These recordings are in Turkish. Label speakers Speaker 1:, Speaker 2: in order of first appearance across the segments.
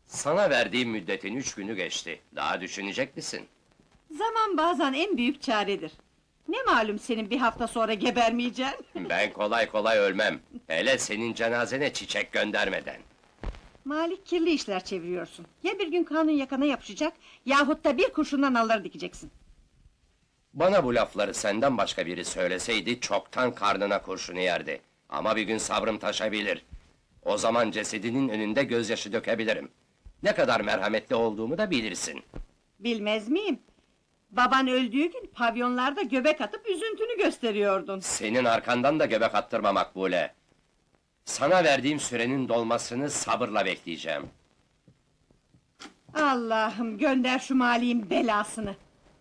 Speaker 1: Sana verdiğim müddetin 3 günü geçti. Daha düşünecek misin?
Speaker 2: Zaman bazen en büyük çaredir. Ne malum senin bir hafta sonra gebermeyeceksin?
Speaker 1: Ben kolay kolay ölmem. Hele senin cenazene çiçek göndermeden.
Speaker 2: Malik kirli işler çeviriyorsun. Ya bir gün kanun yakana yapışacak, yahut da bir kurşundan alır dikeceksin.
Speaker 1: Bana bu lafları senden başka biri söyleseydi, çoktan karnına kurşunu yerdi. Ama bir gün sabrım taşabilir. O zaman cesedinin önünde gözyaşı dökebilirim. Ne kadar merhametli olduğumu da bilirsin.
Speaker 2: Bilmez miyim? Baban öldüğü gün pavyonlarda göbek atıp üzüntünü gösteriyordun.
Speaker 1: Senin arkandan da göbek attırma Makbule. Sana verdiğim sürenin dolmasını sabırla bekleyeceğim.
Speaker 2: Allah'ım gönder şu Malik'in belasını.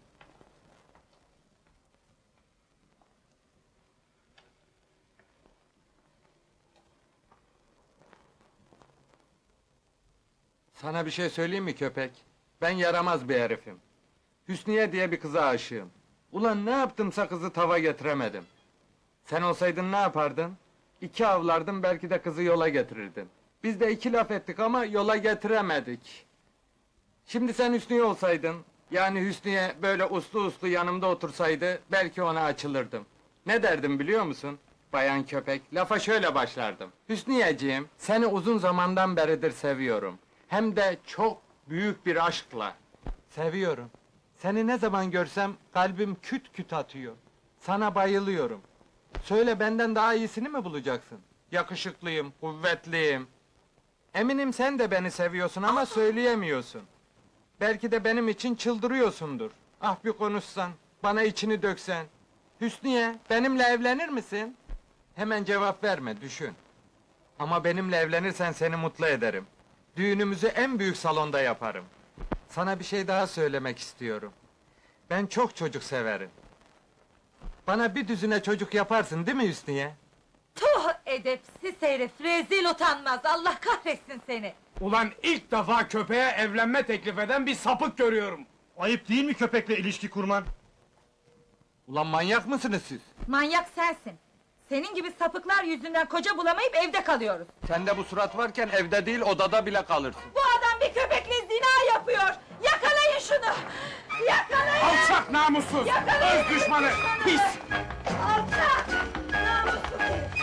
Speaker 3: Sana bir şey söyleyeyim mi köpek? Ben yaramaz bir herifim. Hüsniye diye bir kıza aşığım. Ulan ne yaptımsa kızı tava getiremedim. Sen olsaydın ne yapardın? 2 avlardın, belki de kızı yola getirirdin. Biz de 2 laf ettik ama yola getiremedik. Şimdi sen Hüsniye olsaydın, yani Hüsniye böyle uslu uslu yanımda otursaydı, belki ona açılırdım. Ne derdim biliyor musun? Bayan köpek, lafa şöyle başlardım. Hüsniyeciğim, seni uzun zamandan beridir seviyorum. Hem de çok büyük bir aşkla. Seviyorum. Seni ne zaman görsem kalbim küt küt atıyor. Sana bayılıyorum. Söyle, benden daha iyisini mi bulacaksın? Yakışıklıyım, kuvvetliyim. Eminim sen de beni seviyorsun ama söyleyemiyorsun. Belki de benim için çıldırıyorsundur. Ah bir konuşsan, bana içini döksen. Hüsniye, benimle evlenir misin? Hemen cevap verme, düşün. Ama benimle evlenirsen seni mutlu ederim. Düğünümüzü en büyük salonda yaparım. Sana bir şey daha söylemek istiyorum. Ben çok çocuk severim. Bana bir düzine çocuk yaparsın değil mi Hüsniye?
Speaker 4: Tuh edepsiz herif, rezil utanmaz, Allah kahretsin seni!
Speaker 5: Ulan ilk defa köpeğe evlenme teklif eden bir sapık görüyorum.
Speaker 6: Ayıp değil mi köpekle ilişki kurman?
Speaker 3: Ulan manyak mısınız siz?
Speaker 4: Manyak sensin! Senin gibi sapıklar yüzünden koca bulamayıp evde kalıyoruz!
Speaker 3: Sende bu surat varken evde değil odada bile kalırsın.
Speaker 4: Bu adam bir köpekle zina yapıyor! Yakalayın şunu! Yakalayın!
Speaker 5: Alçak namussuz!
Speaker 4: Yakalayın!
Speaker 5: Öz düşmanı! Pis!
Speaker 4: Alçak! Namussuz herif!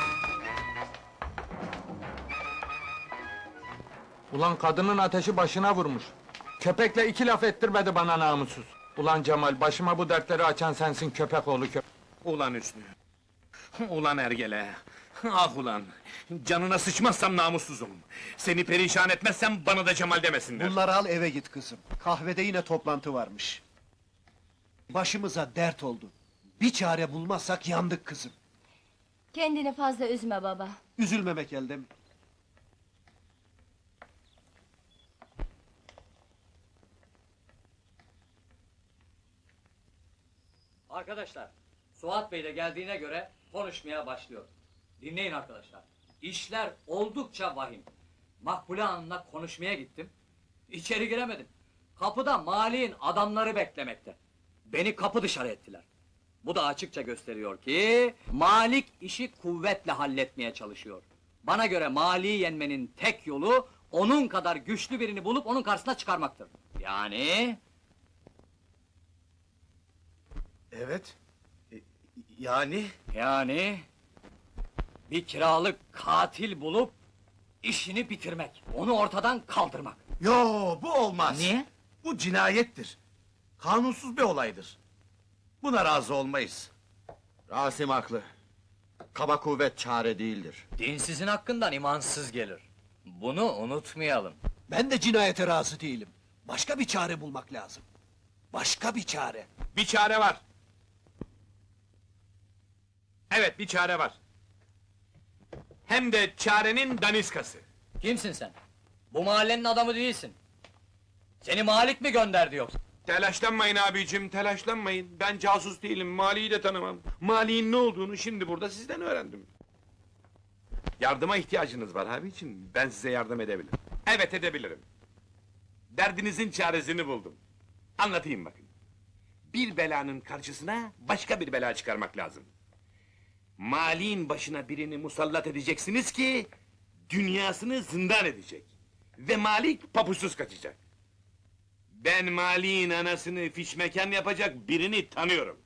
Speaker 3: Ulan kadının ateşi başına vurmuş. Köpekle 2 laf ettirmedi bana namussuz. Ulan Cemal, başıma bu dertleri açan sensin köpek oğlu köpek.
Speaker 5: Ulan Hüsnü! Ulan Ergele! Ah ulan! Canına sıçmazsam namussuzum! Seni perişan etmezsem bana da Cemal demesinler!
Speaker 6: Bunları al eve git kızım. Kahvede yine toplantı varmış. Başımıza dert oldu. Bir çare bulmazsak yandık kızım.
Speaker 7: Kendini fazla üzme baba.
Speaker 6: Üzülmemek elde mi?
Speaker 8: Arkadaşlar, Suat Bey de geldiğine göre konuşmaya başlıyor. Dinleyin arkadaşlar, işler oldukça vahim. Makbule Hanım'la konuşmaya gittim. İçeri giremedim. Kapıda Malik'in adamları beklemekte. Beni kapı dışarı ettiler. Bu da açıkça gösteriyor ki Malik işi kuvvetle halletmeye çalışıyor. Bana göre Malik'i yenmenin tek yolu onun kadar güçlü birini bulup onun karşısına çıkarmaktır. Yani
Speaker 6: Evet. Yani?
Speaker 8: bir kiralık katil bulup işini bitirmek, onu ortadan kaldırmak.
Speaker 9: Yo, bu olmaz.
Speaker 8: Niye?
Speaker 9: Bu cinayettir. Kanunsuz bir olaydır. Buna razı olmayız. Rasim haklı. Kaba kuvvet çare değildir.
Speaker 8: Dinsizin hakkından imansız gelir. Bunu unutmayalım.
Speaker 6: Ben de cinayete razı değilim. Başka bir çare bulmak lazım. Başka bir çare.
Speaker 5: Bir çare var! Evet, bir çare var! Hem de çarenin daniskası!
Speaker 8: Kimsin sen? Bu mahallenin adamı değilsin. Seni Malik mi gönderdi yoksa?
Speaker 5: Telaşlanmayın abicim, telaşlanmayın. Ben casus değilim, Malik'i de tanımam. Malik'in ne olduğunu şimdi burada sizden öğrendim. Yardıma ihtiyacınız var abicim, ben size yardım edebilirim. Evet, edebilirim. Derdinizin çaresini buldum. Anlatayım bakın. Bir belanın karşısına başka bir bela çıkarmak lazım. Malik'in başına birini musallat edeceksiniz ki dünyasını zindan edecek. Ve Malik papuçsuz kaçacak. Ben Malik'in anasını fişmekan yapacak birini tanıyorum.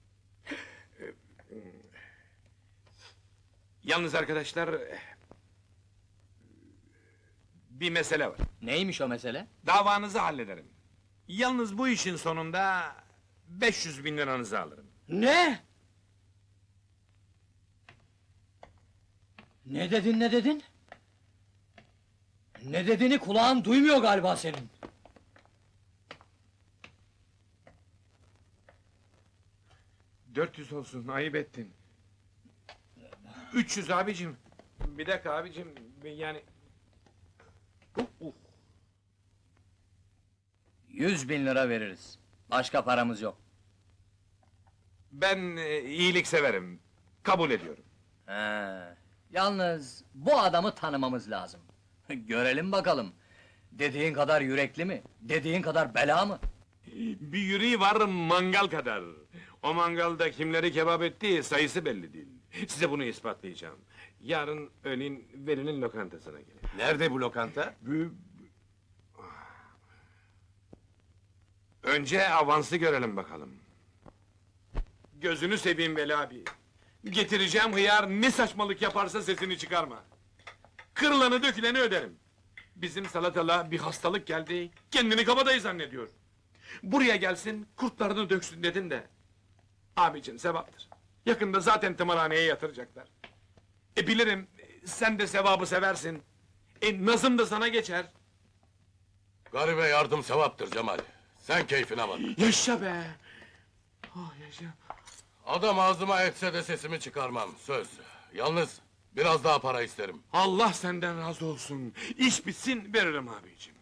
Speaker 5: Yalnız arkadaşlar... Bir mesele var.
Speaker 8: Neymiş o mesele?
Speaker 5: Davanızı hallederim. Yalnız bu işin sonunda 500.000 liranızı alırım.
Speaker 8: Ne? Ne dedin, ne dedin? Ne dediğini kulağın duymuyor galiba senin.
Speaker 5: 400 olsun, ayıp ettin. 300 abicim. Bir dakika abicim, yani...
Speaker 8: 100.000 lira veririz. Başka paramız yok.
Speaker 5: Ben iyilik severim. Kabul ediyorum.
Speaker 8: He. Yalnız bu adamı tanımamız lazım. Görelim bakalım. Dediğin kadar yürekli mi? Dediğin kadar bela mı?
Speaker 5: Bir yüreği var mangal kadar. O mangalda kimleri kebap ettiği sayısı belli değil. Size bunu ispatlayacağım. Yarın öğlen Veli'nin lokantasına gelin.
Speaker 9: Nerede bu lokanta?
Speaker 5: Önce avansı görelim bakalım. Gözünü seveyim Veli abi. Getireceğim hıyar ne saçmalık yaparsa sesini çıkarma. Kırılanı döküleni öderim. Bizim salatalığa bir hastalık geldi, kendini kabadayı zannediyor. Buraya gelsin, kurtlarını döksün dedin de. Abicim sevaptır. Yakında zaten tımarhaneye yatıracaklar. Bilirim, sen de sevabı seversin. Nazım da sana geçer.
Speaker 9: Garibe yardım sevaptır Cemal. Sen keyfine bak.
Speaker 5: Yaşa be! Oh yaşa!
Speaker 9: Adam ağzıma etse de sesimi çıkarmam, söz. Yalnız biraz daha para isterim.
Speaker 5: Allah senden razı olsun. İş bitsin veririm abicim.